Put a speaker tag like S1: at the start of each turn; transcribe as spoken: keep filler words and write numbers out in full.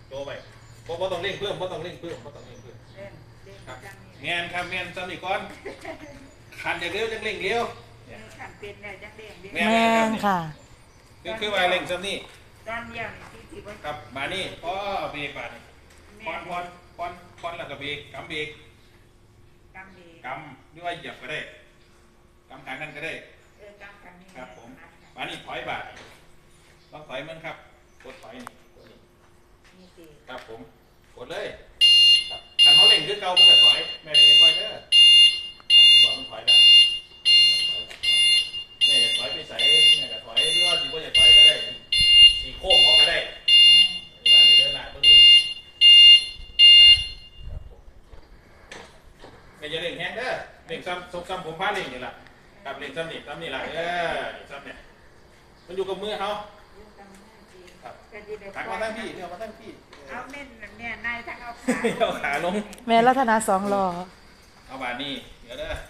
S1: โตไปเพราะต้องเร่งเพิ่มเพราะต้องเร่งเพิ่มเพราะต้องเร่งเพิ่ม
S2: เล่นเล่น
S1: ครับ
S2: จัง
S1: แม
S2: นี่
S1: นครับแมนสนิทก่อนขันอย่างเร็วจังเร่งเร็ว
S2: ขันเป็นเนี่ยจังเด้งเด้
S1: แม่
S3: แม่นค่ะ
S1: คือคือว่าเร่งซ้ำนี่
S2: ตอนเดียวนี่ที่ที่ว่า
S1: ครับมานี่พอเบรกบาดนี่พอนพอนพอนพอนแล้วก็เบรกกำเบรก
S2: กำดี
S1: กำหรือว่าเหยียบก็ได้กำขางนั่นก็ได้
S2: เออกำกันนี่
S1: ครับผมมานี่ถอยบาดลองถอยมันครับกดถอยนี่กดนี่
S2: นี่สิ
S1: ครับผมกดเลยครับคันเขาเร่งคือเก่ามันก็ถอยแม่เร่งค่อยเด้อครับผมบอกมันถอยได้แม่จะถอยไปใส่แม่จะถอยหรือว่าสิบ่จะถอยก็ได้สีโค้งเขาก็ได้บาดนี่เดินหน้าตัวนี้ครับผมแม่จะเร่งแฮงเด้อเร่งซ้ำซ้ำผมพาเร่งนี่แหละครับเร่งซ้ำนี่ซ้ำนี่แหละเออนี่ซ้ำเนี่ยมันอยู่กับมือเขา ครับ ถักมาตั้งพี่เดี๋ยวมาตั้งพี่
S2: เอาเม่นเนี่ยนายทั้งเอาขา
S1: เอาขาลง
S3: แม่รัตนาสองรอ
S1: เอาบาดนี้เดี๋ยวเด้อ